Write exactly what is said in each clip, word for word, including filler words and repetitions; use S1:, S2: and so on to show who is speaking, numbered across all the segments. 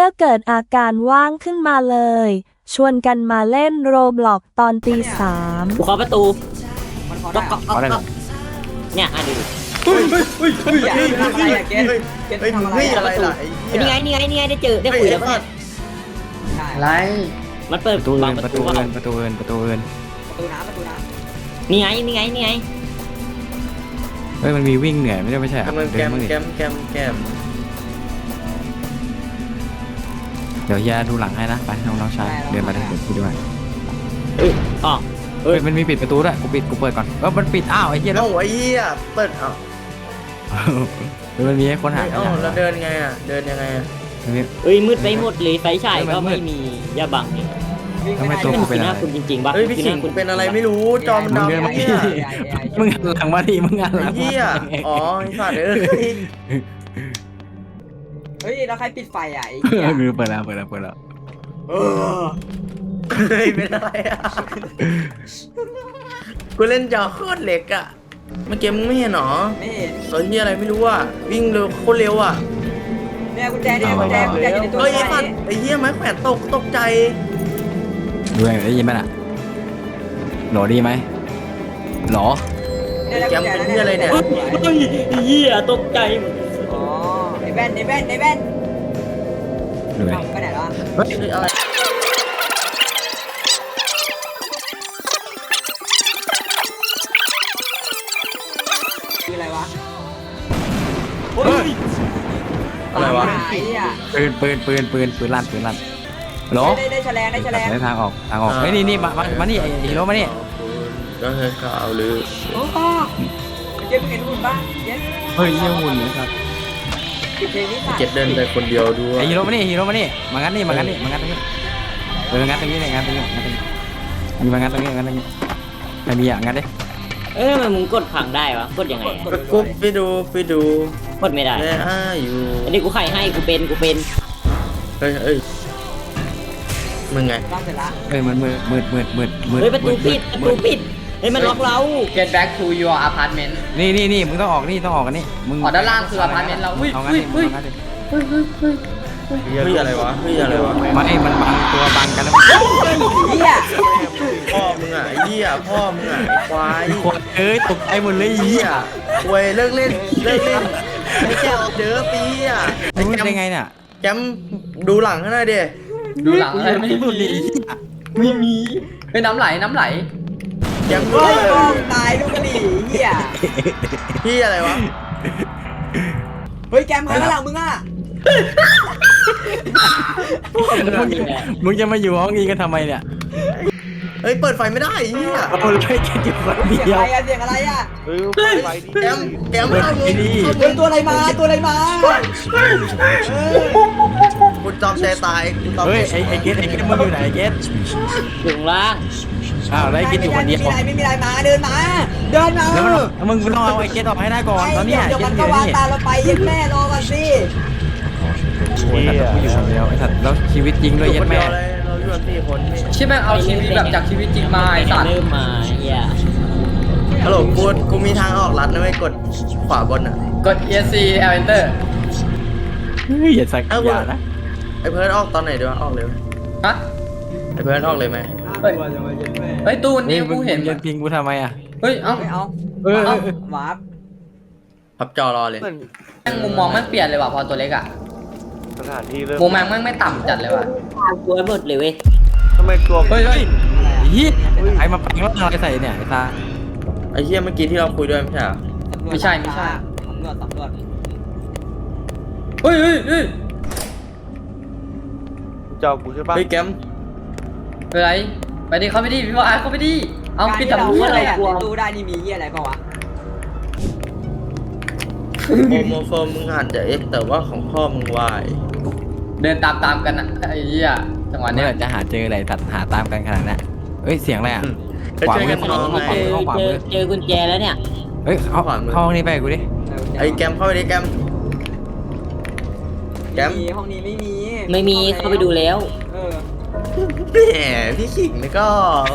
S1: มื่อเกิดอาการว่างขึ้นมาเลย ชวนกันมาเล่นโรบล็อกตอนตีสาม
S2: กูเคาะประตู
S3: มันพอ
S2: ก็
S3: ได้
S2: ก็ก็ก็เนี่ยอ่ะดู
S4: เฮ้ยเฮ้ยเฮ้ยเฮ้ย
S3: อย่า
S4: เฮ้ย
S3: ทำอะไรอะเกสเกส
S4: เฮ้ย
S3: ทำอะไร
S4: เฮ้ย
S3: อะ
S4: อะไรล่ะไอ้
S2: นี่ไงนี่ไงนี่ไงได้เจอได้คุยแล้วเนี่ย
S3: ใช่
S5: อะไร
S2: มันเปิด
S6: ประตู
S2: บา
S6: เอิ
S2: ง
S6: น
S2: ป
S6: ประ ระ
S2: ตู
S6: ตู
S2: ว่า
S6: เอินประตูเอินประตูเอิน
S3: ประตูน้ำประตูน้
S2: นี่ไงนี่ไงนี่ไง
S6: เฮ้ยมันมีวิ่งเหนื่อยไม่ใช่ไม่ใช่
S4: กำลัง
S6: เดิ
S4: แก
S6: น
S4: ม
S6: บ้างดิ
S4: แกมแกมแกม
S6: เดี๋ยวเฮียดูหลังให้นะไปน้องน้องชายเดินมาเดินไปด้วย
S2: เอ้ยอ๋อ
S6: เฮ้ยมันมีปิดประตูด้วยกูปิดกูเปิดก่อนเออมันปิดอ้าวไอ้เหี้ยแล้
S4: เอ้าว ไอ้เหี้ยเปิดเอ้า
S6: เฮ้ยมันมีให้ค้นหา
S4: เอ้าแล้วเดินไงอ่ะเดินยังไงอ่ะ
S6: มันมี
S2: เอ้ยมืดไปหมดเลยไฟฉาย
S6: เฮ้ยมัน
S2: ก็
S6: มื
S2: ไม่
S6: ด
S2: มียาบังเนี่ย
S3: ำวิ่ง
S6: ทำไม
S3: ไม่
S6: ตัว
S3: ได้
S6: กู
S2: มันคือหน้าคุณจริงๆปะ
S4: เฮ้ยพี่ขิง
S2: คือหาคุณ
S4: เป็นอะไรไม่รู้จอมันดำ
S6: มึงเดินมา
S4: ไอ้
S6: ดิ
S4: เหี้ย
S6: มึงหันหลังมาดิมึงหันห
S4: ไอ้
S6: ลังมา
S4: เหี้ยอ๋อไอ้สัตว์เอ้ย
S3: เฮ้ยแล้วใครปิดไฟอ่ะไอ้
S6: เอ
S3: เหี้ย
S6: อคือเปิดแล้วเปิดแล้วเปิดแล้ว
S3: เออ
S4: เฮ้ยเป็นอะไรอ่ะกูเล่นจอโคตรเล็กอ่ะเมื่อกี้มึงไม่เห็นหรอ
S3: ไม่เห็น
S4: ตอนนี้อะไรไม่รู้อ่ะวิ่งเร็วโคตรเร็วอ่ะ
S3: เนี่ยกุญแจเนี่ยกุญแจกุญแจอยู่ในตัว
S4: เฮ้ยไอ้
S3: ไฟ
S4: สัตว์ไอ้เหี้ยไม้แขวนตกตกใจ
S6: ดูไงได้ยินไหมน่ะหลอดีไหมหลอ
S3: เนี่ย
S4: แกมเป็นเหี้ยอะไรเนี่ย
S2: เฮ้ยเหี้ยตกใจหมด
S3: อ๋อไอ้แว่นไอ้แว่นไอ้แว่น
S6: ดูไง
S3: เอ้าไปไหนแล้วอะ
S4: เฮ้ยอะไร
S3: คืออะไรวะ
S4: เฮ้ยอะไรวะ
S3: ไอ้เหี้ย
S6: ปืนปืนปืนปืนปืนลั่นปืนลั่นหลอ
S3: ได้ได้แฉลงได้แฉลง
S6: ได้ทางออกทางออกเฮ้ยนี่นี่มามามานี่ไอ้ฮีโร่มานี่
S4: ก็เคยข่าวหรือ
S3: โอ้โหเจ๊มึงเห็นหุ่นป่ะเจ๊
S6: เฮ้ยเยี่ยหุ่นเลยครับ
S3: ปิดเพลงนี้สัตว์
S4: เก็บเดินไปคนเดียวด้วย
S6: ไอ้ฮีโร่มานี่ฮีโร่มานี่มางั้นนี่มางั้นนี่มางั้นตรงนี้เอองั้นตรงนี้เลยงั้นตรงนี้งั้นตรงนี้มีมางั้นตรงนี้งั้นตรงนี้ใครมีอ่ะงั้นดิ
S2: เอ้ยทำไมมึงกดพังได้วะกดยังไงอะ
S4: ไปกุ๊บไปดูไปดู
S2: กดไม่ได้
S4: แม่อ้าอยู่
S2: อันนี้กูไขให้กูเป็นกูเป็น
S4: เฮ้ยเฮ้ยมึงไง
S3: ตั้งเสร็จละ
S6: เฮ้ยมันมืดมืดมืดมืดมืด
S2: เฮ้ยประตูปิดประตูปิดเฮ้ยมันล็อกเรา
S5: Get back to your apartment
S6: นี่นี่นี่มึงต้องออกนี่ต้องออกกันนี่มึง
S5: อ๋อด้านล่างคือ apartment เราอุ้ย
S6: เอางั้นดิ
S5: อุ้ย
S6: เอางั้นดิ
S4: เฮ้ยอะไรวะเฮ้ยอะไรวะ
S6: ไม่มันบังตัวบังกันแล้ว
S3: เหี้ย
S4: พ่อมึงอ่ะไอ้เหี้ยพ่อมึงอ่ะไอ้ควาย
S6: คนเอ้ยตกใจหมดเลย
S4: ไอ้
S6: เหี้
S4: เหี้
S6: ย
S4: ยควยเลิกเล่นเลิกเล่นไอ้แก้วเด้อปีอ่ะไอ้
S6: รู้
S4: แกม
S6: ได้ไงเนี่ย
S4: แกมดูหลังให้หน่อยดิ
S5: ดูหลังอะไรไม่มีไม่มีเฮ้ยน้ำไหลน้ำไหล
S4: แกมดู
S3: โอ้ย
S4: เลย
S3: โอ้ยตายลูกกะหรี่เหี้ย
S4: พี่อะไรวะ
S3: เฮ้ยแกมใครข้างหลังมึงอ่ะ
S6: มึงจะมาอยู่ห้องนี้กันทำไมเนี่ย
S4: เฮ้ยเปิดไฟไม่ได้ไอ้เหี้ย
S6: เอาเลยแค่อยู่คน
S3: เสียง
S6: เดียว
S3: อะไรอะเสียงอะไรอะ
S4: แกมแกมเข้ามึง
S3: เฮ้ยตัวอะไรมาตัวอะไรมาเออ
S4: คุณจอมใจตายคุณจอม
S6: เฮ้ย
S4: ใจ
S6: ไอ้ไอ้เกตไอ้เกตมึงอยู่ไหนไอ้เกต
S2: อยู่ข้างล่าง
S6: อ้าวแล้วไอ้เกตอยู่คนเดียว
S3: ไม่มีอะไรไม่มีอะไรมาเดินมา เดินมา
S6: แล้วมันมึงต้องเอาไอ้เกตออกให้ได้ก่อนตอนเนี้ย
S3: เดี๋ยว
S6: เก
S3: มั
S6: ต
S3: น
S6: อ
S3: ก็
S6: ยู่
S3: วาง
S6: นี่
S3: ตาเราไปเย็นแม่รอก่อนสิ
S6: โอ้ยสัตว์กูอยู่คนเดียวไอ้สัตว์แล้วชีวิตจริงด้วย
S4: อ
S6: ยั
S4: ยู่คน
S6: ด
S4: เดี
S6: แม่
S4: ยวเลยเราอยู่กันสี่คนนี่
S5: ใช่ไหมเอาชีวิตแบบจากชีวิตจริงมาไอ้สัตว์
S2: เริ่มมาเฮีย
S4: ฮัลโหลกูกูมีทางออกลัดนะไม่กดขวาบนอ่ะ
S5: กด E S C Enter
S6: เฮ้ยอย่าสักอย่านะ
S4: ไอ้เพิร์ดออกตอนไหนดีวะออกเลยไหม
S5: ฮะ
S4: ไอ้เพิร์ดออกเลยไหม
S5: เฮ้ยเฮ้ยตู้นี้กูเห็น
S6: มึงยิงกูทำไมอ่ะ
S5: เฮ้ยเอ้า
S3: ไม่เอา
S6: เออ
S3: เอาวาร์ป
S4: พับจอรอเลย
S5: แม่งมุมมองมันเปลี่ยนเลยว่ะพอตัวเล็กอะ
S7: สถานที่เริ่ม
S5: มุมมองมันไม่ต่ำจัดเลยว่ะ
S2: กลัวหมดเลยเว้ย
S7: ทำไมตัว
S5: เฮ้ยเฮ้ย
S6: เฮียใครมาแปลงร่างอะไรใส่เนี่ยไอ้ตา
S4: ไอ้เหี้ยเมื่อกี้ที่เราคุยด้วยไม่ใช่เหรอ
S5: ไม่ใช่ไม่ใช่
S3: สำรวจสำรวจ
S5: เฮ้ยเฮ้ยเฮ้ย
S7: เจ้ากูใช่ปะ
S4: เฮ้ยแกม
S5: เป็นไรไปดิเข้าไปดิพี่ว่าเข้าไปดิเอาปิดตะ
S3: การ
S5: ปู
S3: ที่
S5: อะไร
S3: เรา
S5: อะ
S3: เปิดตู้ได้นี่มีเหี้ยอะไรเปล่าวะ
S4: โมโมโฟมมึงอาจจะเอ็กแต่ว่าของพ่อมึงวาย
S5: เดินตามตามๆกันอะไอ้เหี้ยจังหวะ
S6: เมื่
S5: เนี้
S6: อย จะหาเจออะไรตัดหาตามกันขนาดนั้นเฮ้ยเสียงอะไรอ่ะ
S4: ไปช่วยกันน้อง
S2: เจ
S4: ไง
S2: อเจอเจอกุญแจแล้วเนี่ย
S6: เฮ้ยเข้าเข้าห้องนี้ไปกูดิ
S4: ไอ้แกมเข้าไปดิแกม แกม
S3: มีห้องนี้ไม่มี
S2: ไม่มีเข้าไปดูแล้ว
S3: เออ
S4: แหมพี่ขิงนี่ก็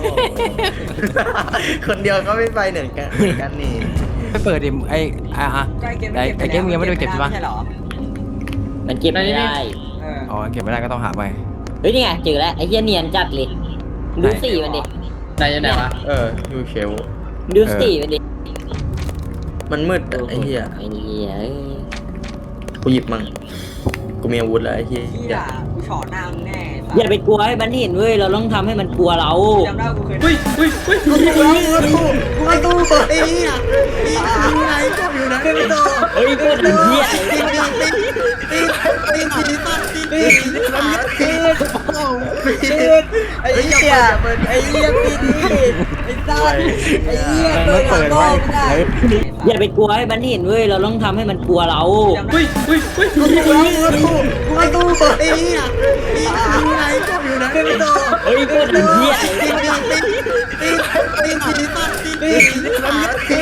S4: คนเดียวก็ไม่ไปเหมือนกันเหมือนกันนี่
S6: ไปเปิดดิไอ้อ่ะอ่ะ
S3: ใกล้เกม
S6: ไอ้ไอ้เกมมึงยังไม่ได้ไปเก็บใช่ปะ
S3: ใช่เหรอ
S2: มันเก็บไม่ได้
S3: เออ
S6: อ๋อเก็บไม่ได้ก็ต้องหาไป
S2: เฮ้ยนี่ไงเจอแล้วไอ้เหี้ยเนียนจัดเลยดูสีมันดิ
S5: ไหนอยู่ไหนวะ
S4: เออยูเชล
S2: ดูสีมันดิ
S4: มันมืดอะไอ้เหี้ย
S2: ไอ้เหี้ยเอ้ย
S4: กูหยิบมั่งกูมีอาวุธแล้วไอ้เหี้ย
S8: เฮียกูฉอหน้ามึงแน่สัต
S2: อย่า
S8: ว์
S2: ไปกลัวให้มันเห็นเว้ยเราต้องทำให้มันกลัวเรา
S8: จำได้กูเคย
S5: อุ้ยอุ้ยอุ้ย
S4: กูตู้ไอ้เหี้ยนี่ไงก็อยู่นะไม่ต้อง
S2: เฮ้ยเพื่อนเหี้ย
S4: ตีตีตีตีตีตีตีตีมันยัดตีตีไอ้เหี้ยไอ้เหี้ยปีนี้ไอ้สัตว์ไอ้เหี้ย
S6: มันไม่เปิดไว้เฮ้ย
S2: อย่าไปกลัวให้มันเห็นเว้ยเราต้องทำให้มันกลัวเรา
S5: อุ้ยอุ้ยอุ้ย
S4: กูตู้กูตู้ไอ้เหี้ยนี่ไงก็อยู่นะไม่ต้อง
S2: เฮ้ยเพื่อนเหี้ย
S4: ตีตีตีตีตีตีตีตีมันยัดตี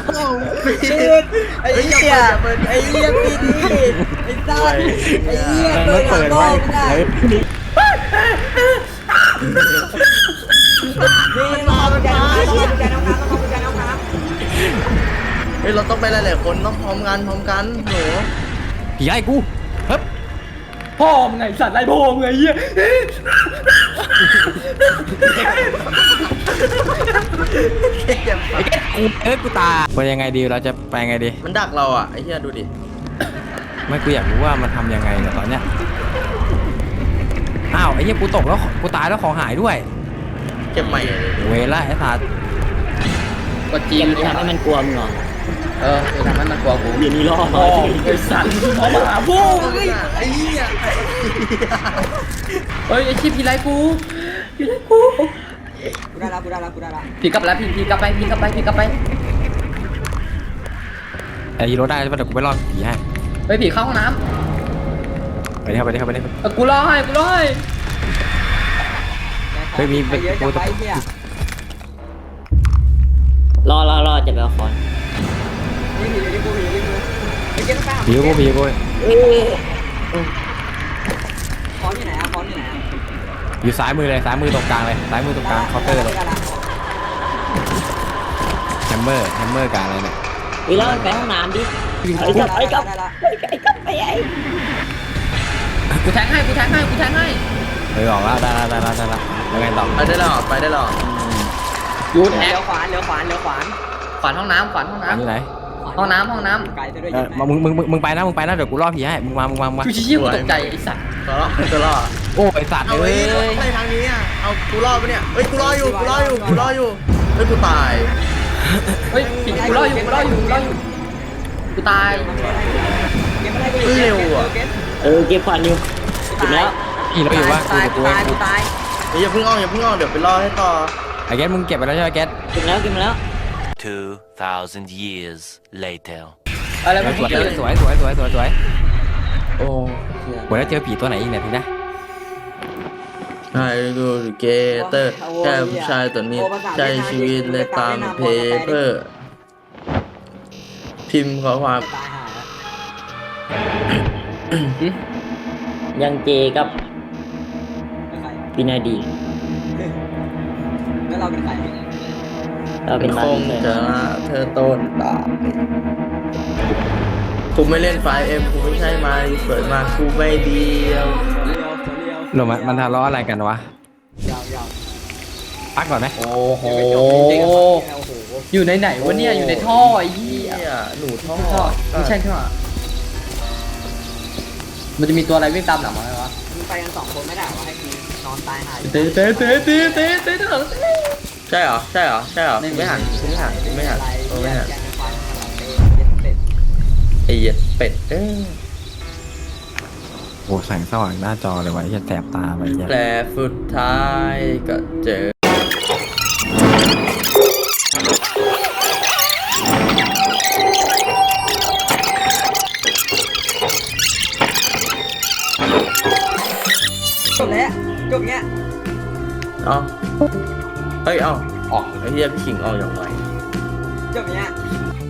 S4: ไอ้เหี้ยไอ้เหี้ยปีนี้ไอ้สัตว์ไอ้เหี้ย
S6: มันไม่เปิดไว้เฮ้ย
S8: นี่มาเอากุญแจน้ำค้างต้องเอากุญแจน้ำค้างต้องเอากุญแจน้ำค้าง
S4: เฮ้ยเราต้องไปหลายๆคนต้องพร้อมกันพร้อมกันหนู
S6: ผีไล่กูเฮ้ย
S5: พ่อมึงไงสัตว์ไล่พ่อมึงไงเหี้ย
S6: ไอ้แกกูเอ้ยกูตาเป็นยังไงดีเราจะไปยังไงดี
S4: มันดักเราอ่ะไอ้เหี้ยดูดิ
S6: ไม่กูอยากรู้ว่ามันทำยังไงเนี่ยตอนเนี้ยอ้าวไอ้เหี้ยกูตกแล้วกูตายแล้วของหายด้วย
S4: เก็บใหม่
S6: เวล่าไอ้สัตว์
S5: กด
S2: เก
S5: จี
S2: ม
S5: น
S2: มันทำให้มันกลัวมึงเหรอ
S5: เออคือทำให้มันกลัวกู
S2: เดี๋ยวนี้รอ
S5: พ่อไอ้สัตว์เอามาหาพ่อ
S4: ไอ้เหี้ย
S5: เฮ้ยไอ้ชิบผีไล่กูผีไล่กู
S8: กูได้ละกูได้ละกูได้ละ
S5: ผีกลับแล้วผีผีกลับไปผีกลับไปผีกลับไป
S6: ไอ้ฮีโร่ได้ใช่ปะเดี๋ยวกูไปรอดผีให้
S5: เฮ้ยผีเข้าห้องน้
S6: ไปดิครับไปดิครับไปดิครับ
S5: ำเออกูรอให้กูรอให้
S6: เฮ้ยมี
S8: ไปเยอะจะไปเฮีย
S2: รอรอรอจะไปเอาคอน
S8: นี่ผีอยู่ที่กูผีอยู่ที่กูไปเก็บน้ำค้าง
S6: ผีกูผีกู
S2: เอ้ย
S8: คอนอยู่ไหนอะคอนอยู่ไหนอะ
S6: อยู่ซ้ายมือเลยซ้ายมือตรงกลางเลยซ้ายมือตรงกลางเคาน์เตอร์เลย
S8: ได้ละ
S6: แฮมเมอร์แฮมเมอร์กลางอะไรเนี่ย
S2: เฮ้ยแล้วมันไปห้องน้ำดิ
S8: ได้
S2: ไอ้
S8: ละ
S2: กับไอ้กับ
S8: ได้ละ
S2: ไอ้กับไอ้กับไอ้ไอ้
S5: กูแทงให้กูแทงให้กูแทงให้
S6: เออออกแล้วได้แล้วได้แล้วได้แล้วแล้วไงต่อ
S4: ไปได้หรอไปได้หรอ
S5: ยูแท
S8: เลี้
S5: ง
S8: ยวขวานเลี้ยวขวานเลี้ยวขวาน
S5: ขวานห้องน้ำขวานห้อง
S6: อันนี้
S5: น้ำ
S6: ไหน
S5: ห้องน้ำห้องน้
S8: ไกลซะด้วย
S6: เอ
S8: ยิ
S6: อง มึงมึงมึงมึงไปนะมึงไปนะเดี๋ยวกูล่อผีให้มึงมามึงมามึงมา
S5: ำชิวชิวกูตกใจไอ้สัตว์
S4: ตัวรอดตัวรอด
S6: โอ้ไอสัตว์
S4: เอา
S6: เอ้
S4: เฮ้ย
S6: ย
S4: ไปทางนี้อ่ะเอากูรอดปะเนี่ยเฮ้ยกูรออยู่กูรออยู่กูรออยู่เฮ้ยกูตาย
S5: เฮ้ยผีกูรออยู่กูรออยู่กูรออยู่กูตาย
S8: เก็บอะไรกูอยู่
S4: เร็วอ่ะ
S8: เก็บ
S2: เออเก็บควันอยู่ถึงแล้ว
S6: ผีเราอยู่ว่ากู
S8: ตาย
S6: เดี๋ยว
S8: กู
S6: กูเอ
S8: ตาย
S6: ง
S8: กูตาย
S4: เฮ้ยอย่าเพิ่งอ้อมอย่าเพิ่งอ้อมเดี๋ยวไปรอให้ต่อ
S6: ไอ้แก๊สมึงเก็บไปแล้วใช่ไหมแก๊ส
S2: ถึงแล้วถึงแล้ว
S9: Two thousand years later.
S5: อะไร
S6: ส
S5: มั
S6: วน ย
S5: ผี
S6: สวยสวยสวยสวยสวย
S4: โอ้
S6: วันแล้วเจอผีตัวไหนอีกเนี่ยทีนะ
S4: ใช่ดูเกเตอร์แค่ผู้ชายตัวนี้ใช้ชีวิตเลยตามเพเปอร์พิมพ์ข้อความ
S8: ตายหาแล้ว
S2: ยังเจกับ
S8: เป็นใคร
S2: ปินาดี
S8: แล้วเราเป็นใคร
S2: เราเป็น
S4: ค
S2: บาร์
S4: ง
S2: บี
S4: จะละเธอต้นตากูไม่เล่นไฟเอ็มกูไม่ใช่มาเปิดมากูไม่เดียว
S8: เลี้ยวตัวเลี้ยว
S6: หรือมันมันทะเลาะอะไรกันวะ
S8: ยาวยาว
S6: พักก่อนไหม
S5: โอ้โห
S8: โอ้โห
S5: อยู่ในไหนวะเนี่ยอยู่ในท่อไอ้เหี้ย
S4: เนี่ยหนูท่อ
S5: ท่อไม่ใช่ท่อมันจะมีตัวอะไรวิ่งตามหลังมาไหมวะ
S8: มึงไปกันสองคนไม่ได้หรอให้กูนอนตายหาอยู่
S5: เตะเตะเตะเตะเตะเตะเตะ
S4: ใช่เหรอใช่เหรอใช่เหรอกูไม่หันกูไม่หันกูไม่หันกูไม่หัน
S8: แกงควายสลับเป็ด
S4: ไอ้เหี้ยเป็ดเอ้ย
S6: โอ้แสงสว่างหน้าจอเลยวะไอ้จะแสบตาไปเนี่ย
S4: แต่สุดท้ายก็เจอ
S8: จบแล้วจบเงี้ย
S4: เอาเฮ้ยเอาออกไอ้เหี้ยพี่ขิงออกอย่างไร
S8: จบเงี้ย